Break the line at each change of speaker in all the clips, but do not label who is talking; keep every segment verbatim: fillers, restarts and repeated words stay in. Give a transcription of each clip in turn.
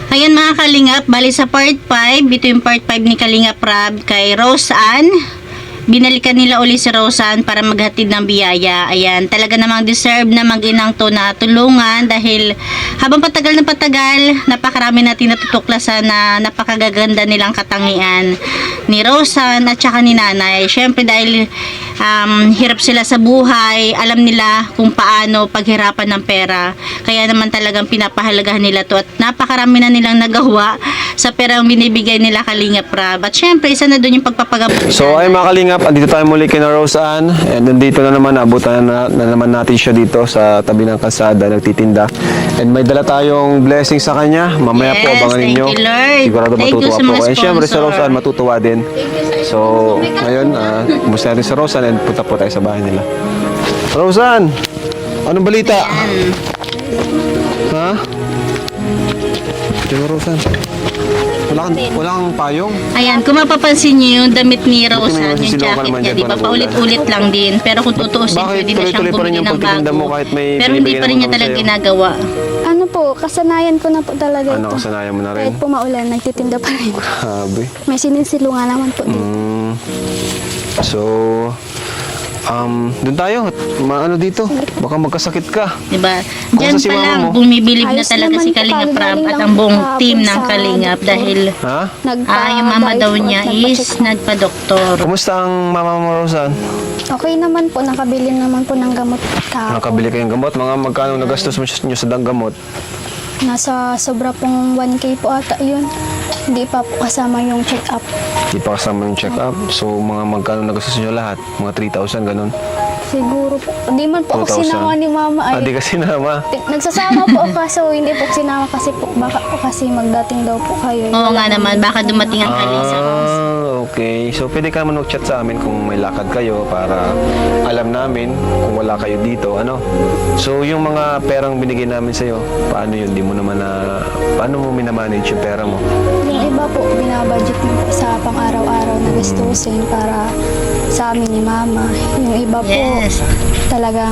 Ayan mga Kalingap, bali sa part five, ito yung part five ni Kalingap Rab kay Rose Ann. Binalikan nila uli si Rose Ann para maghatid ng biyaya. Ayan, talaga namang deserve na mag-inang to na tulungan dahil habang patagal na patagal, napakarami natin natutuklasan na napakagaganda nilang katangian ni Rose Ann at saka ni Nanay. Syempre dahil um, hirap sila sa buhay, alam nila kung paano paghirapan ng pera. Kaya naman talagang pinapahalagahan nila to at napakarami na nilang nagawa sa perang binibigay nila Kalingap Rab. At syempre, isa na doon yung pagpapagamot.
So ay mga Kalingap, andito tayo muli kay na Rose Ann. And nandito na naman, abutan na, na naman natin siya dito sa tabi ng kalsada, nagtitinda. And may dala tayong blessing sa kanya. Mamaya
Yes,
po, abangan
thank
ninyo.
you, Lord.
Sigurado
Thank you
matutuwa
sa
po.
mga
And syempre sa
sponsor.
Rose Ann, matutuwa din. So, ngayon, uh, kumusta natin sa Rose Ann and punta po tayo sa bahay nila. Rose Ann, anong balita?
Ayan.
Ha? Diyan Rose Ann. Wala kang, wala kang payong?
Ayan, kung mapapansin niyo yung damit ni Rose
Buti may
Ann, yung
nasisilungan
jacket
naman
niya,
dyan,
di ba?
parang
Paulit-ulit lang din. Pero kung tutuusin,
Bakit
pwede na siyang
tuloy-tuloy pa rin
bumili
yung
ng
pagtitinda
bago.
mo kahit may
Pero hindi
binibigyan
pa rin niya
naman
talaga
sa'yo?
ginagawa.
Ano po, kasanayan ko na po talaga
Ano,
ito.
kasanayan mo na rin?
Kahit po maulan, nagtitinda pa rin.
Grabe.
May sinisilungan naman po dito.
Mm. So, um, dun tayo. Maano dito? Baka magkasakit ka.
Di ba?
Kung
Diyan
sa si
pa
mama
lang,
mo?
bumibilib na
Ayos
talaga
naman
si
po,
Kalingap Rab
kagaling
at
lang
ang buong
kahapon
team ng
sa
Kalingap
doktor.
dahil
Ha?
Nagpa-
ah, yung mama
dive
daw
po
niya
at
is
nagpa-check up.
nagpa-doktor.
Kumusta ang mama mo, Rosan?
Okay naman po, nakabili naman po ng gamot kahapon.
Nakabili kayong gamot? Mga magkano nagastos mo nyo sa dang gamot?
Nasa sobra pong one K po ata yun. Hindi pa po kasama yung check-up.
Di pa kasama yung check-up. So, mga magkano nagastos nyo lahat? Mga three thousand, ganun?
Siguro po. Hindi man po ako
two thousand.
sinama ni mama.
Ah,
Ay,
di kasi nama.
nagsasama po ako kaso hindi po sinama kasi po baka po kasi magdating daw po kayo.
Oo nga naman, baka dumating ang Kalingap.
Ah, okay. So, pwede ka naman mag-chat sa amin kung may lakad kayo para alam namin kung wala kayo dito, ano? So, yung mga perang binigay namin sa'yo, paano yun? Di mo naman na... Paano mo minamanage yung pera mo?
Yung iba po, binabudget mo po sa pang-araw-araw na gastusin para sa amin ni mama. Yung iba po,
Yes.
talagang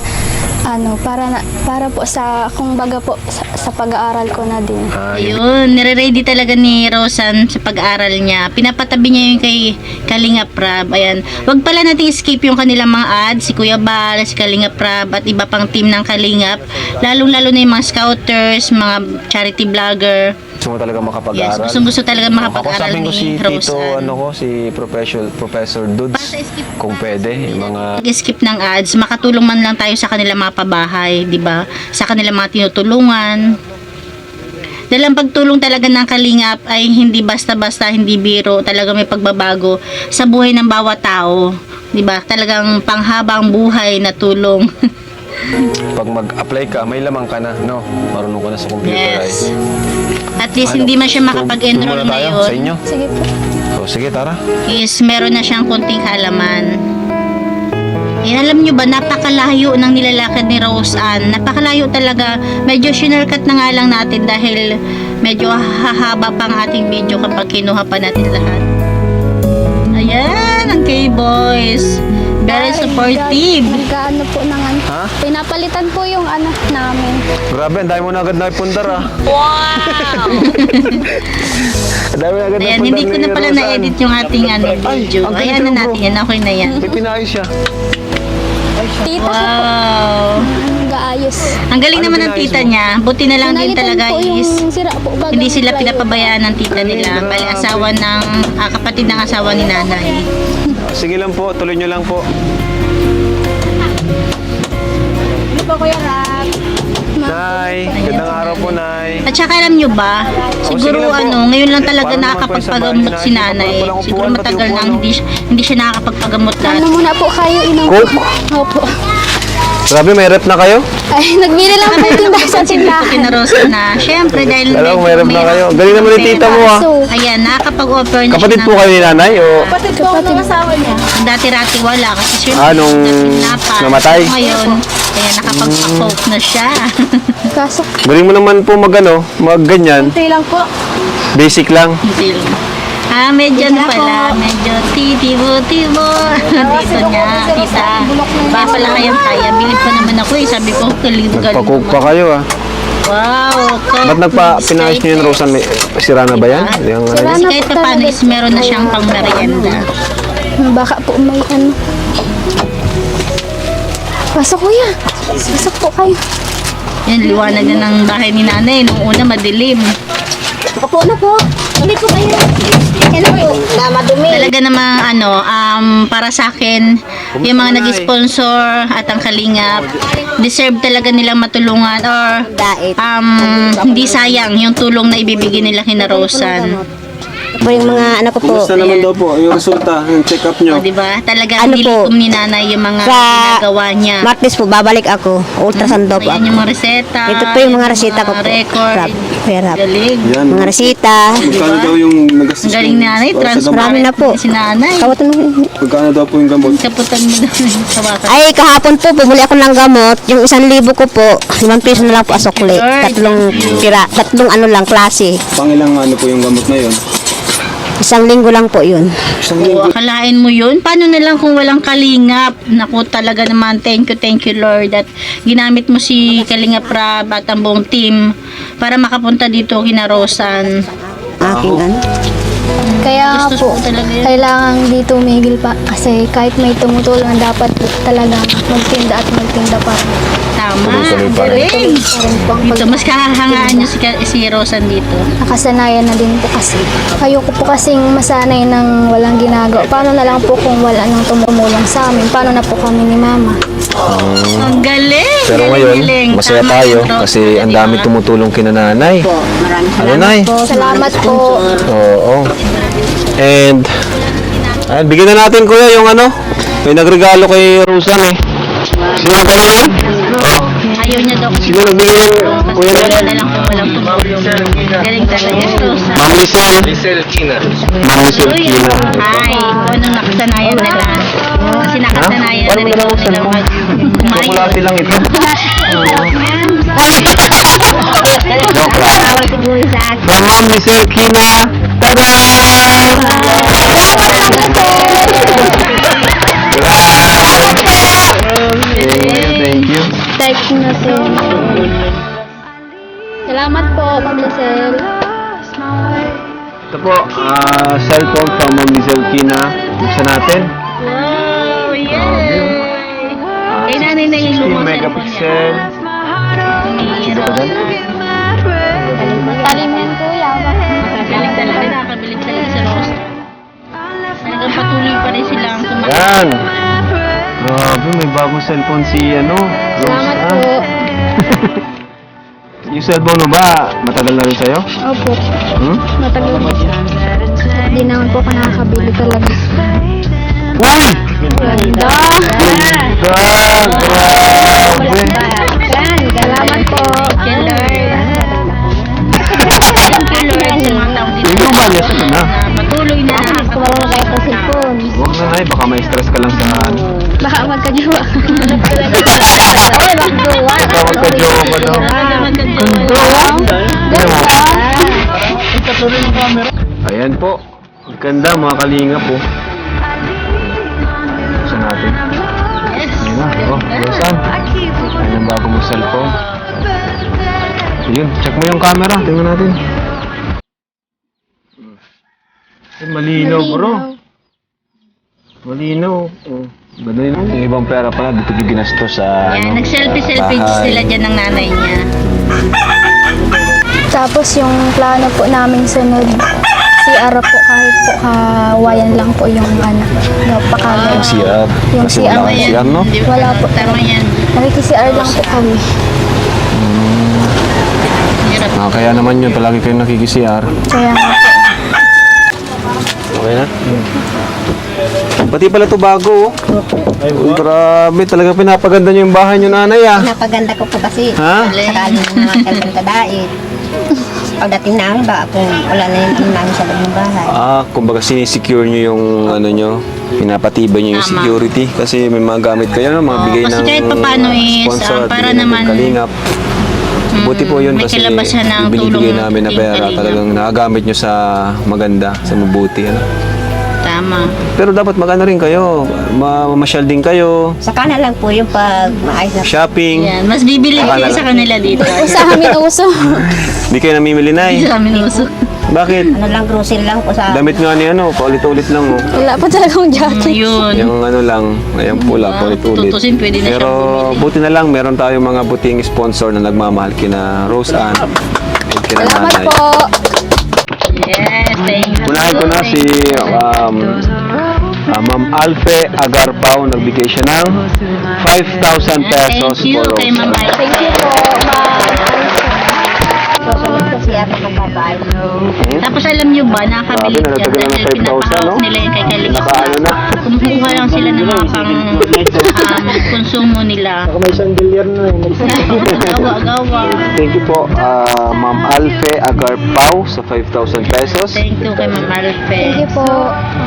ano, para na, para po sa, kung baga po, sa, sa pag-aaral ko na din.
Ah, yun.
Ayun, nire-ready talaga ni Rosan sa pag-aaral niya. Pinapatabi niya yung kay Kalingap Rab. Ayan. Wag pala natin skip yung kanilang mga ads, si Kuya Bal, si Kalingap Rab, at iba pang team ng Kalingap. Lalong-lalo na yung mga scouters, mga charity vlogger.
Gusto mo talaga
Yes,
makapag-aaral?
gusto-gusto talaga makapag-aral
Kakusapin ko si
ni
Tito,
Rosan.
ano ko, si Professor, Professor Dudes.
Basta skip
Kung pwede, yung mga...
Mag-skip ng ads, makatulong man lang tayo sa kanilang mga pabahay, di ba? Sa kanilang mga tinutulungan. Dahil ang pagtulong talaga ng Kalingap ay hindi basta-basta, hindi biro, talaga may pagbabago sa buhay ng bawat tao, di ba? Talagang panghabang buhay na tulong.
Pag mag-apply ka, may lamang ka na, no? Marunong ka na sa computer, ay.
Yes. At least
Ano?
hindi man siya
So,
makapag-enroll
doon muna tayo sa
ngayon.
inyo.
Sige po.
So, sige, tara.
Is meron na siyang konting halaman. Eh, alam nyo ba, napakalayo ng nilalakad ni Rose Ann. Napakalayo talaga. Medyo shinarkat na nga lang natin dahil medyo hahaba pa ang ating video kapag kinuha pa natin lahat. Ayan, ang K-Boys. Very supportive.
Nagkaano po ng ano.
Ha?
Pinapalitan po yung ano namin.
Grabe, ang dami mo na agad na ipundar, ah.
Wow!
Ang dami na agad na
Ayan,
ipundar
hindi ko
ni
na pala
Rosan.
na-edit yung ating ano, video.
ang
Ayan
galing
na
mo,
natin
bro.
yan. Okay na yan.
May pinayos siya.
Tita ko po.
Wow!
Nag-aayos.
Ang galing
Ano
naman ng
pinayos
tita
mo?
niya. Buti na lang din
Pinalitan
talaga
po yung
is
sira po, bago
hindi sila
plywood.
pinapabayaan ng tita nila.
Ay,
Bali,
grabe.
asawa ng, ah, kapatid ng asawa ni nanay.
Ah, sige lang po, tuloy nyo lang po. Nay, gandang araw po, Nay.
At saka alam nyo ba,
sige
siguro
lang po.
ano, ngayon lang talaga
Para naman po
nakakapagpagamot
sa
si
bahay
nanay.
natin, walang
Siguro
upuan, pati
matagal
upuan,
na
no?
hindi, hindi siya nakakapagpagamot lahat.
Ano muna po kayo, inang
Coke?
Opo.
Grabe, may rep na kayo?
Ay, nagbili lang po yung tindahan sa tindahan.
Kinarosa na. Siyempre, dahil
Alam,
medyo
may rep na
may-
kayo. Galing naman ni tita mo, ah.
So,
Ayan, nakakapag-offer na
Kapatid
siya
po
ng-
kayo ni nanay, o?
kapatid.
Dati-rati wala kasi siyempre
Ah, nung
natin
namatay?
Ngayon, kaya nakapag-poke na siya.
Kaso,
Galing mo naman po mag, ano, mag ganyan.
kunti lang po.
Basic lang.
Hindi lang. Ah, medyo ano pala, medyo titibo-tibo. Dito niya, tita. Ba pala kayang kaya. Bilib pa naman ako eh. Sabi ko, galing galing
Nagpa-coke pa
naman.
kayo, ah.
Wow.
Ba't nagpa, pinayos niyo yung Rosan? May, sira na ba yan? Yung, ano,
Sira
Kasi
na
kahit
po
pa paano
talaga.
is meron na siyang pang merienda.
Baka po may ano. Pasok kuya. Pasok po kayo.
Yan, liwanag na ng bahay ni nanay. Nung una, madilim.
Opo na po. Hindi po kayo. Hello po. Na madumi.
Talaga namang ano, um, para sa akin, yung mga nag-sponsor at ang kalingap, deserve talaga nilang matulungan or um, hindi sayang yung tulong na ibibigay nila kina Rosan.
Po yung mga ano ko po.
Kumusta naman daw po yung resulta, yung check-up nyo?
O, diba? Talaga
Ano
nilikom
po?
ni nanay yung mga
Sa
ginagawa niya.
Martes po, babalik ako. Ultrasound daw po
Ayan
ako.
yung mga reseta.
Ito po yung mga reseta ko po.
Record.
Rap. Rap.
Galing.
Yan.
Mga resita.
Magkano daw yung nagastos
Ang galing ni nanay.
para sa gamot?
Transparent
Marami na po.
si nanay.
Kawatan mo.
Magkano daw po yung gamot?
Kaputan mo daw yung tawakan.
Ay, kahapon po, bumuli ako ng gamot. Yung isang libo ko po, limang piso na lang po asukli. Tatlong tira, tatlong ano lang, klase.
Pangilang ano po yung gamot na yun?
Isang linggo lang po yun.
Isang
O, akalain mo yun? Paano na lang kung walang kalingap? Naku, talaga naman, thank you, thank you Lord at ginamit mo si Kalingap Rab at ang buong team para makapunta dito kina Rosan.
Aking ano.
Kaya
Gusto
po,
ko talaga yun.
kailangan dito umigil pa. Kasi kahit may tumutulong, dapat talaga magtinda at magtinda pa.
Tama,
Tuloy-tuloy pa rin.
galing.
Pa rin po ang
Dito,
pag-
mas kahangaan nyo si, Ka- si Rosan dito.
Nakasanayan na din po kasi. Ayoko po kasing masanay ng walang ginagawa. Paano na lang po kung wala nang tumulong sa amin? Paano na po kami ni Mama?
Ang galing!
Pero
galing,
ngayon,
galing.
masaya
Tama
tayo
yun, Rosan,
kasi ang
diba?
dami tumutulong kina nanay. Ano, Nay?
Salamat po.
Oo. And, ayan, bigyan na natin kuya yung ano. May nagregalo kay Rosan eh. Sino ba yun? Oh.
Ayaw niya daw kasi
Sino nagbigay yung kuya
wala
na?
na lang kung walang tumulong. Galing talaga, Rosan.
Ma'am Lisel. Lisel Kina. Ma'am Lisel
Uy,
Kina.
hi! Unang nakasanayan nila. Kasi nakasanayan na rin
Wala ko
nila
cellphone.
mag- kumain.
Chocolate lang ito. Joke lang.
Tawag siguro sa akin.
From Ma'am Lisel Kina. Tada! Thank you, thank you.
Thank you na po. Salamat po, Ma'am Lisel.
Ito po, ah, cellphone from Ma'am Lisel Kina. Buksan natin.
Wow! Yay!
Ah,
Kay nanay na yung
sixteen
lumang
megapixel.
Ito ba yan?
Talim yan, kuya.
Galing talaga, nakakabilib talaga si Rose. Talagang patuloy pa rin silang kumain.
Yan. Grabe, may bagong cellphone si ano. Rose,
Salamat
ah.
po.
Yung cellphone mo ba, matagal na rin sa'yo?
Opo.
Hmm?
Matagal po. Hindi naman po ako nakakabili talaga.
Uy!
Ganda!
God! Grabe!
Yan, salamat po.
Thank you, Lord. Thank you, Lord, sa mga taong dito.
Ikaw ba, yes, ano na?
Na patuloy na nakakawala kayo ng cellphone.
Huwag na na, baka may stress ka lang sa ano.
Baka magkajowa.
Ay, magduwa.
Baka magka-jowa ka daw. Ayan po. Ganda mga kalinga po. Buksan natin.
Yes.
Ayan na. Oh, Rosan. Ayan ang bago mong cellphone. Ayun, check mo yung camera. Tingnan natin. Ay, malinaw bro. Malinaw. Oh. Ganda yun. Yung ibang pera pala, dito ginastos sa
Yan,
ano,
nag-selfie-selfie
bahay.
sila dyan ng nanay niya.
Tapos yung plano po namin sunod, C R po kahit po kawayan lang po yung ano, napakaganda.
C R.
Yung
Kasi
C R
wala kang C R, no?
Di ba?
Wala po.
Tama yan.
Nakiki-C R lang po kami.
Hirap.
Ah, kaya naman yun, palagi kayo nakiki-C R.
Kaya nga po.
Okay na? Pati pala ito bago, oh. Ay, grabe, talaga pinapaganda niyo yung bahay niyo, nanay, ah.
Napaganda ko po kasi.
Ha?
Sakali na naman kayo ng tadait. Pagdating namin, baka kung wala na yung ano namin sa loob ng bahay.
Ah, kumbaga sinisecure niyo yung ano niyo, pinapatibay niyo yung
Tama.
security kasi may mga gamit kayo, no? Mga
Oo,
bigay
kasi
ng
kahit papano is,
sponsor,
ah, para
bigay ng
naman-
kalingap. Buti po yun
may
kasi
kilabasan ng
binibigay
tulong
namin na
ng
pera,
Kalingap.
talagang nakagamit nyo sa maganda, sa mabuti. Ano?
Tama.
Pero dapat mag-ano rin kayo, ma- mamasyal din kayo,
Saka na lang po yung pag maayos na.
shopping.
Yan, mas bibili
Akala
kayo sa kanila dito.
Sa amin uso.
Hindi kayo namimili, Nay.
Sa amin uso.
Bakit?
Ano lang, grocery lang po sa...
Damit nga ni ano, paulit-ulit lang oh.
Wala pa talagang jacket.
Yun.
Yung ano lang, ayan pula,
Ah,
paulit-ulit.
tutusin, pwede na
Pero
siyang bumili.
buti na lang, meron tayong mga buting sponsor na nagmamahal kina Rose Ann at kina
Salamat
Nanay.
po.
Yes, thank you.
Unahin ko na si um, ah, Ma'am Alfe Agarpao, nagbigay siya ng five thousand pesos
Thank you
for
kay
Rose
Ma'am
Ann.
Alpha.
Thank you po, ma'am.
Susunod ko siya sa magbabayad.
Tapos alam nyo ba, nakakabilib
Grabe,
yan
nalagdagan ng
dahil
five thousand,
pinapahawak
no?
nila yung kay Kalinga.
Nakaano na?
Kumukuha lang sila ng mga pang um, konsumo nila.
May chandelier na
Gawa-gawa.
Thank you po, ah, Ma'am Alfe Agarpao sa five thousand pesos.
Thank you kay Ma'am Alfe.
Thank you po.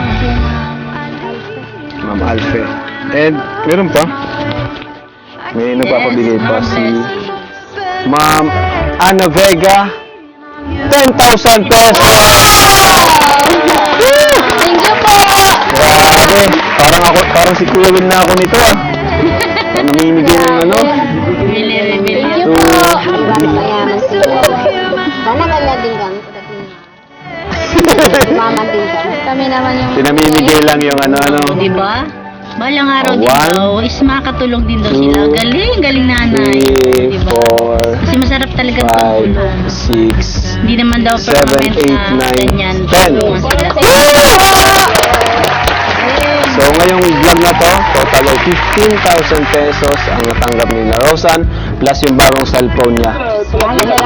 Ma'am Alfe. And meron pa. May nagpapabigay pa si Ma'am Ana Vega. ten thousand pesos!
Thank you po.
Grabe! Parang ako, parang si Kuya Will na ako nito ah. Namimigay ng ano.
Bili, bili.
Thank you
So,
po.
Mayaman siya. Sana kanya din kami. Mama din kami.
Kami naman yung...
pinamimigay lang yung ano-ano.
Di ba? Balang araw
Oh,
din
one,
daw, is makatulong din daw sila.
two,
Galing, galing nanay.
three,
Di ba?
four,
Kasi masarap talaga
five,
tulungan.
six,
Hindi naman daw
seven,
permanent
eight,
na
nine,
ganyan.
ten.
Tulungan sila.
So ngayong vlog na to, total of fifteen thousand pesos ang natanggap ni na Rosan plus yung bagong cellphone niya.
Thank you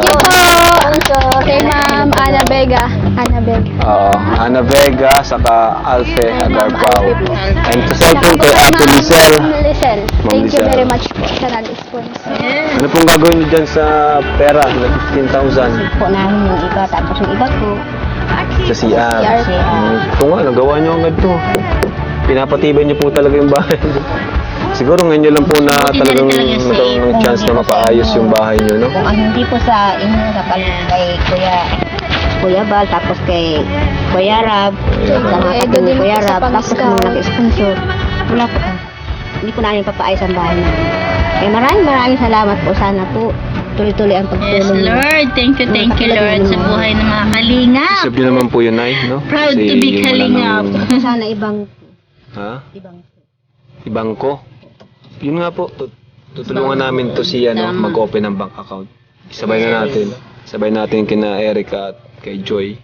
po. Kay Ma'am Ana Vega. Ana Vega.
Oo, Ana Vega, saka Alfe Agarpao. And sa cellphone kay Ate Lizelle.
Ma'am Lizelle.
Ma'am
Thank you
Lizelle.
very much po sa nag-sponsor.
Ano pong gagawin niyo dyan sa pera na fifteen thousand
Po namin yung iba, tapos yung iba po.
sa C R?
C R.
Hmm, ito nga, nagawa niyo agad to. Pinapatibay niyo po talaga yung bahay. Siguro ngayon niyo lang po na talagang nagkaroon ng chance na mapaayos yung bahay niyo, no?
Kung ano hindi po sa inyo, sa pal- kay Kuya Kuya Bal, tapos kay Kuya Rab, sa mga
Eh,
kapatid ni
din
Kuya
po sa
Rab, tapos
pang-scout.
nung nag-sponsor, wala po. Hindi po namin papaayos ang bahay namin. Kaya maraming maraming salamat po. Sana po tuloy-tuloy ang
Yes,
pagtulong niyo.
Lord. Thank you, thank you, Lord, sa buhay ng mga kalingap.
Isip niyo naman po yun, Nay, no?
Proud to be
Kasi wala
kalingap.
nang-
Sana ibang
Ha?
ibang
Ibang ko? Yun nga po, tut- tutulungan namin to si ano,
Tama.
mag-open ng bank account. Sabay na natin. Sabay natin kina Erica at kay Joy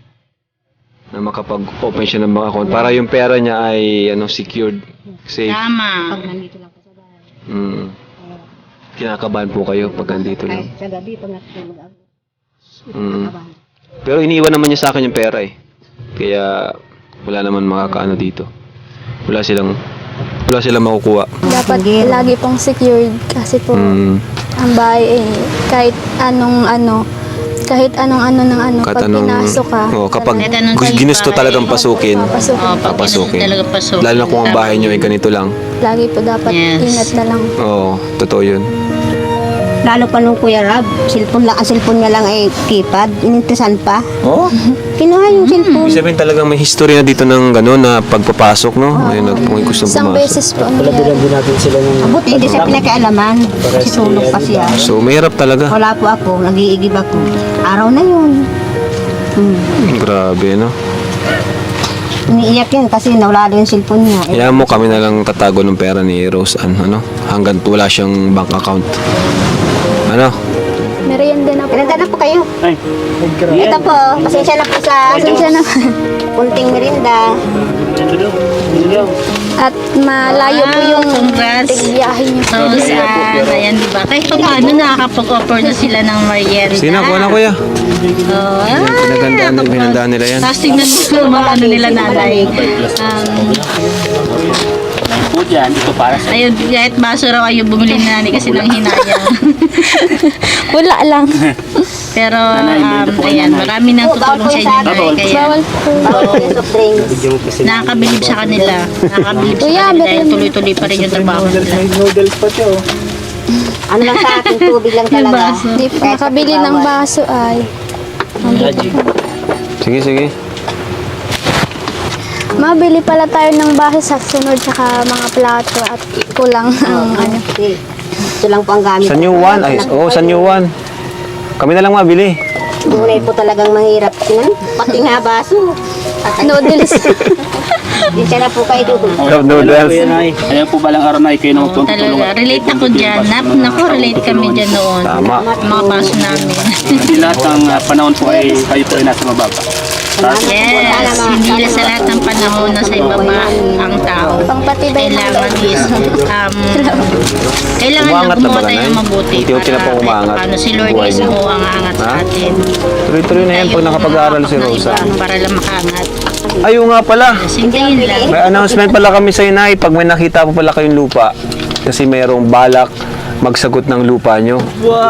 na makapag-open siya ng bank account para yung pera niya ay ano secured, safe.
Tama.
pag nandito lang po sa bahay.
Mm. Kinakabahan po kayo pag nandito
Kahit
lang.
sa gabi, pag natutulog ako.
Mm. Pero iniwan naman niya sa akin yung pera eh. Kaya wala naman makakaano dito. Wala silang wala silang makukuha.
Dapat lagi pong secured kasi po
Mm.
ang bahay eh, kahit anong ano, kahit anong ano ng ano,
Kahit
pag
anong,
pinasok ka,
oh, kapag
Kahit anong
gus- ginusto
bahay.
talagang pasukin,
papasok.
Oh, pag
papasukin.
talaga pasok.
Lalo na kung ang bahay nyo ay ganito lang.
Lagi po dapat
Yes.
ingat na lang.
Oo, totoo yun.
Lalo pa nung Kuya Rab, cellphone lang, ang cellphone niya lang ay keypad, inintisan pa.
Oo?
Kinuha yung cellphone.
Ibig sabihin talagang may history na dito ng gano'n na pagpapasok, no? Ngayon nag kung gusto
Isang
pumasok.
beses po ang nangyari.
Abot, hindi siya pinakaalaman. Kasi tulog pa siya.
So, mahirap talaga.
Wala po ako, nag-iigib ako. Araw na yun. Hmm.
Grabe, no?
Iniiyak yan kasi nawala din yung cellphone niya. Eh,
Kaya mo kami na lang tatago ng pera ni Rose Ann, ano? Hanggang wala siyang bank account. Ano?
Merienda na po.
Pinanda na po kayo. Ito po, pasensya na po sa
Pasensya na.
kunting merinda.
At malayo po yung
Congrats.
tigbiyahe niyo.
So, saan, ayan, di ba? Kahit pa paano nakakapag-offer na sila ng merienda.
Sige na, kuha na kuya.
Oh, ah,
Pinagandaan nila, pinagandaan nila yan.
Tapos tingnan mo yung mga ano nila nanay. Um,
po dyan, ito para sa
ayun, kahit baso raw ayaw bumili na nanay kasi nang hinayang.
Wala lang.
Pero, um, ayan, marami nang tutulong sa inyo. Nay, Kaya,
Bawal po.
Bawal yung soft drinks.
nakakabilib sa kanila. Nakakabilib sa
Kuya,
kanila dahil
merienda.
tuloy-tuloy pa rin yung trabaho nila.
Ano lang sa akin, tubig lang
Yung
talaga.
baso.
Hindi po makabili ng baso ay.
Sige, sige.
Mabili pala tayo ng bahay sa sunod tsaka mga plato at kulang ang ano.
Ito lang po ang gamit.
Sa new one, ay, oh, sa new one. Kami na lang mabili.
Tunay po talagang mahirap. Tingnan, pati nga baso.
Noodles.
Di siya na po kayo doon.
Cup noodles.
Ayan po balang araw na kayo nung
Talaga, relate ako dyan. Nap, naku, relate kami dyan noon.
Tama.
Mga baso namin.
Hindi lahat ng ah, panahon po ay kayo po ay nasa mababa.
Yes, hindi lang sa lahat ng panahon na sa ibaba ang tao.
Pangpatibay ng
Kailangan
loob.
is, um, kailangan
Umangat
na
na ba,
gumawa tayo
Nanay?
ng mabuti.
Unti-unti na po
para
umangat.
kahit paano si Lord
Buhay
mismo
niyo.
ang aangat sa
Ha?
atin.
Tuloy-tuloy na yan pag nakapag-aaral si
Ng
Rosa.
iba Para lang makaangat.
Ayun nga pala.
Sintayin lang.
May announcement pala kami sa inay pag may nakita po pala kayong lupa. Kasi mayroong balak magsagot ng lupa nyo.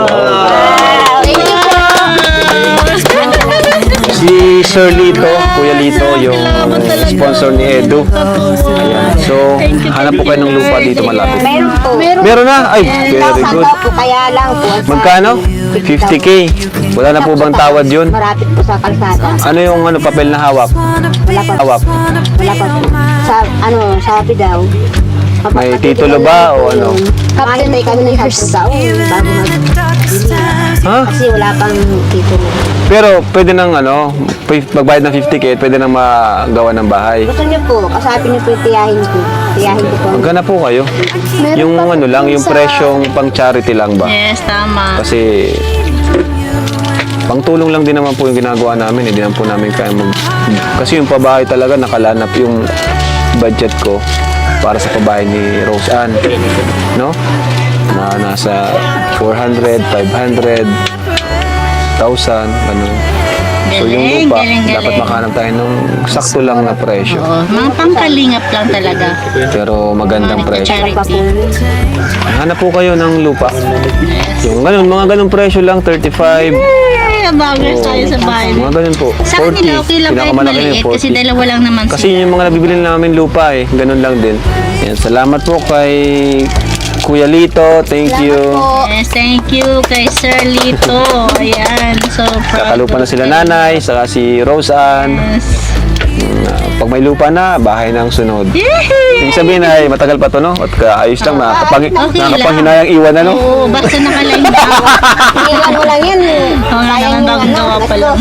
Si Sir Lito, Kuya Lito, yung sponsor ni Edu. Ayan. So, hanap po kayo ng lupa dito malapit.
Meron po.
Meron na? Ay, very good.
Daw po kaya lang po.
Magkano? fifty K. Wala na po bang tawad yun?
Marapit po sa kalsada.
Ano yung ano papel na hawak?
Wala pa.
Hawak.
Wala pa po. Sa, ano, sabi daw.
May titulo ba o ano?
Captain tayo kami ng hospital bago mag
Ha?
kasi wala pang titulo.
Pero pwede nang ano, p- magbayad ng fifty K, pwede nang magawa ng bahay.
Gusto niyo po, kasabi niyo po yung tiyahin ko. Tiyahin ko po.
Magkana po kayo?
Meron
Yung
pa po
ano lang, yung
sa-
presyong pang charity lang ba?
Yes, tama.
Kasi pang tulong lang din naman po yung ginagawa namin, hindi naman po namin kaya mag... Kasi yung pabahay talaga nakalanap yung budget ko para sa pabahay ni Rose Ann. No? Na nasa four hundred, five hundred, one thousand, ganun. So yung
Galing,
lupa,
galing, galing.
dapat makahanap tayo ng sakto lang na presyo.
Oo, mga pangkalingap lang talaga.
Pero magandang
Mga
presyo.
charity.
Hanap po kayo ng lupa. Yung ganun, mga ganung presyo lang, thirty-five.
Eh, bagay tayo sa bahay.
Mga ganun po.
Sa
forty.
kanila, okay lang kahit
Pinakamalaki na yung
maliit kasi
forty.
dalawa lang naman
Kasi
sila.
yung mga nabibili namin lupa eh, ganun lang din. Yan, salamat po kay Kuya Lito, thank you.
Yes, thank you kay Sir Lito. Ayan, so proud.
Kakalupa na sila nanay, saka si Rose Ann.
Yes.
Pag may lupa na, bahay na ang sunod.
Yehey!
Ibig sabihin ay matagal pa to, no? At ayos lang, nakakapang,
Okay lang.
nakakapanghinayang iwan, ano?
Oo, basta nakaline na.
Iwan mo lang yan.
Oo nga naman, bagong gawa pa lang.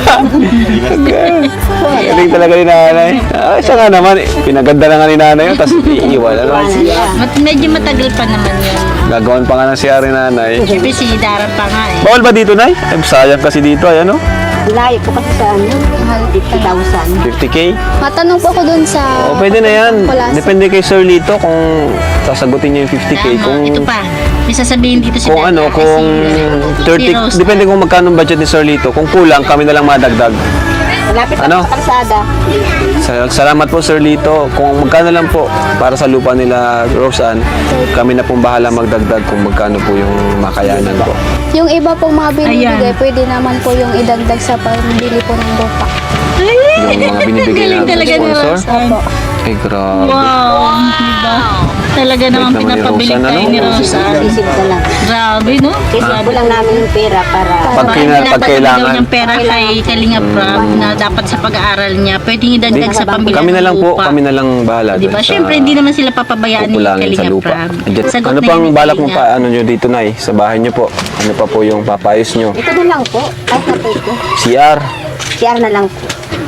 Galing talaga ni nanay. Ay, siya nga naman, eh. Pinaganda na nga ni nanay yun, tapos iiwan, ano?
Mat medyo matagal pa naman yun.
Gagawan pa nga ng si Ari nanay.
Siyempre si Daran pa nga eh.
Bawal ba dito, Nay? Ay, sayang kasi dito, ay ano?
Layo po kasi sa ano, fifty thousand.
fifty K?
Matanong po ako dun sa...
O, pwede na yan.
Wala sa-
Depende kay Sir Lito kung sasagutin niya yung fifty K.
Tama,
Kung,
ito pa. May sasabihin dito si
kung
Daran,
ano,
ay,
kung
si-
thirty,
si Rose.
depende kung magkano ang budget ni Sir Lito. Kung kulang, kami na lang madagdag.
Malapit
Ano?
ano? sa kalsada.
Sa- Salamat po, Sir Lito. Kung magkano lang po para sa lupa nila, Rose Ann, kami na pong bahala magdagdag kung magkano po yung makayanan po.
Yung iba pong mga binibigay,
Ayan.
pwede naman po yung idagdag sa pambili po ng lupa.
Yung mga binibigay
Galing
namin
talaga ni
sponsor.
Rose Ann.
Ay, grabe.
Wow, diba? Talaga naman
naman ni
pinapabili
Rose Ann,
tayo
ano?
ni Rose Ann.
Isip ko lang.
Grabe, no?
Kasi
Grabe.
kulang namin yung pera para...
Pag,
Bakit
kina, pag
pinapabili
kailangan,
daw niyang pera kay Kalinga Prab na dapat sa pag-aaral niya, pwedeng idagdag sa pambili
kami na lang
ng
po,
lupa.
kami na lang bahala.
Diba?
dun sa
Siyempre, hindi naman sila papabayaan ni
pupulangin sa
Kalinga
lupa.
Prab.
Adyan-
Sagot
Ano
na
pang
yun ni
balak mo
Kalinga.
pa, ano nyo dito, Nay? Sa bahay nyo po? Ano pa po yung papayos nyo?
Ito na lang po. Kahit na po ito.
C R.
C R na lang po.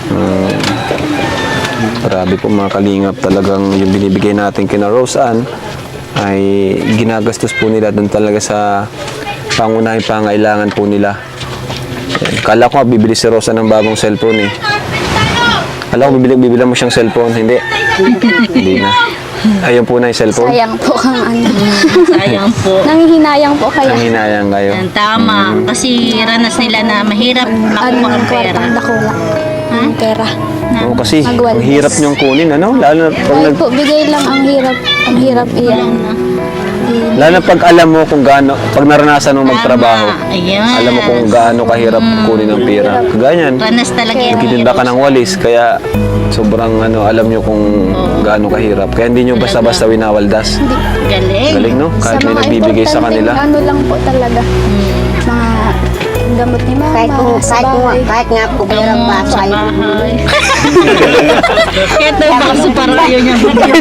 Grabe po mga kalingap, talagang yung binibigay natin kina Rose Ann ay ginagastos po nila doon talaga sa pangunahing pangailangan po nila. Yan. Kala ko nga bibili si Rose Ann ng bagong cellphone eh. Kala ko bibili, bibili mo siyang cellphone, hindi. Hindi na. Ayun po na yung cellphone.
Sayang po ang ano.
Sayang po.
Nanghihinayang po kaya.
Ang hinayang kayo.
Yan, tama. Kasi ranas nila na mahirap
Ano
makuha ang
ang
pera.
kwartang dakula. Ang pera.
Oo, kasi
Magwalis.
ang hirap niyong kunin, ano? Lalo na pag,
Kahit
nag,
po, bigay lang ang hirap. Ang hirap iyan.
lalo na pag alam mo kung gaano, pag naranasan mo magtrabaho,
Tama. Ayan.
alam mo kung gaano kahirap kunin ang pera. Ganyan.
Ranas talaga yan.
Nagtitinda ka ng walis, kaya sobrang ano, alam nyo kung gaano kahirap. Kaya hindi nyo basta-basta winawaldas.
Galing.
Galing, no? Kahit may
mga
nagbibigay sa
importanteng
kanila.
Ano lang po talaga. Mga gamot ni mama,
Kahit kung,
sa
kahit kung,
bahay.
kahit nga po bayarang
Gamot
baso
sa
ay
bahay. Kaya tayo baso para ayaw niya.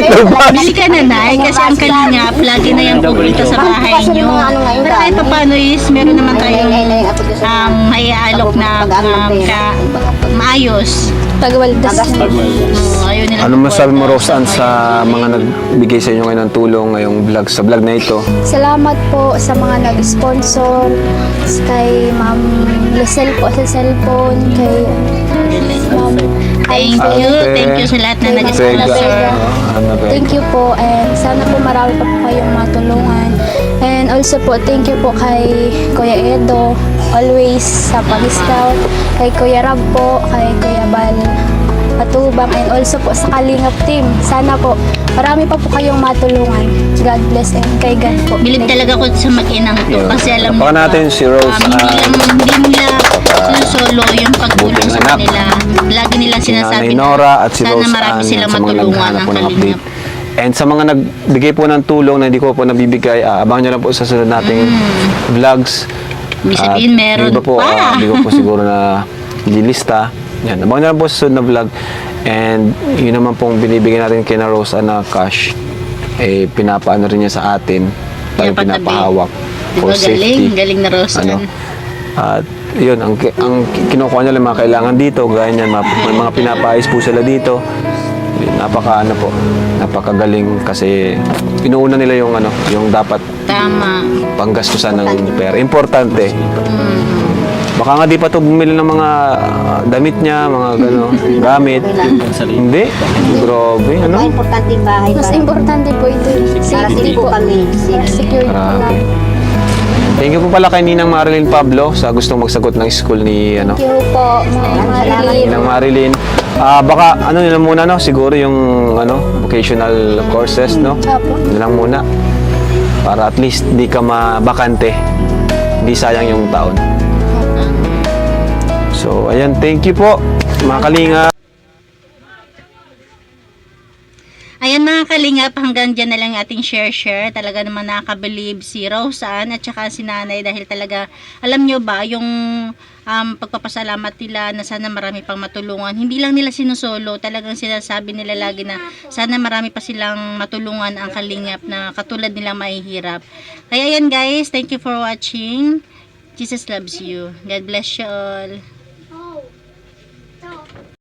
Bili ka na, Nay, kasi ang kalingap, lagi na yung pupunta sa bahay niyo. Pero kahit pa paano is, meron naman tayong um, may alok na um, ka, maayos.
Pagwaldas.
Oh, ayaw nila
Ano masabi mo,
magwaldas.
Roseanne, sa mga nagbigay sa inyo ngayon ng tulong ngayong vlog, sa vlog na ito?
Salamat po sa mga nag-sponsor, kay Ma'am Lucel po sa cellphone, kay Ma'am
Thank
Alfred.
you, thank you sa lahat na
Kay Ma'am
nag-sponsor.
Vega.
Ano ba?
Thank you po, and sana po marami pa po kayong matulungan. And also po, thank you po kay Kuya Edo, always sa pag-scout, kay Kuya Rab po, kay Kuya Bal Patubang, and also po sa Kalingap team. Sana po, marami pa po kayong matulungan. God bless, and kay God po.
Bilib talaga ko sa mag-inang to
Yun.
kasi alam
Napakan
niyo
natin
ba,
si Rose,
um, hindi,
ah,
lang, hindi nila sinusolo yung pagtulong
buting
sa
anak.
kanila. Lagi nilang
Si
sinasabi
Nanay Nora at si
sana
Rose
marami
Ann
silang
sa mga
matulungan
naghahanap
ng
po ng
kalingap.
update. And sa mga nagbigay po ng tulong na hindi ko po nabibigay, ah, abangan nyo lang po sa sunod nating vlogs.
Ibig
At
sabihin, meron
yung iba po,
pa.
ah, hindi ko po siguro na ililista. Yan, abangan nyo lang po sa sunod na vlog. And yun naman pong binibigay natin kay na Rose Ann na cash, eh, pinapaano rin niya sa atin. Tayo
Pinapatabi.
pinapahawak
Diba,
for
galing,
safety.
galing na Rosan.
Ano? At yun, ang, ang kinukuha niya lang mga kailangan dito, gaya niyan, mga- may mga pinapaayos po sila dito. Yun, napaka ano po, napakagaling kasi inuuna nila yung ano, yung dapat
Tama.
panggastusan ng pera. Importante.
Mm.
Baka nga di pa to bumili ng mga ah, damit niya, mga gano, gamit. Hindi. Grabe,
Ang
ano?
importante yung bahay
Mas
para,
importante po ito.
para
Safety
safe po
po.
kami. Safe.
Security po
Grabe.
lang.
Thank you po pala kay Ninang Marilyn Pablo sa gustong magsagot ng school ni ano,
Thank you po, Ma'am Marilyn.
Ninang Marilyn. Ah, baka ano nila muna no, siguro yung ano, vocational courses no.
Apo.
Yun lang muna. Para at least di ka mabakante. Hindi sayang yung taon. So, ayan, thank you po, mga kalinga.
Ayan mga kalingap, hanggang dyan na lang ating share-share. Talaga naman nakakabilib si Roseanne at saka si Nanay dahil talaga, alam nyo ba, yung um, pagpapasalamat nila na sana marami pang matulungan. Hindi lang nila sinusolo, talagang sinasabi nila lagi na sana marami pa silang matulungan ang kalingap na katulad nilang mahihirap. Kaya ayan guys, thank you for watching. Jesus loves you. God bless you all.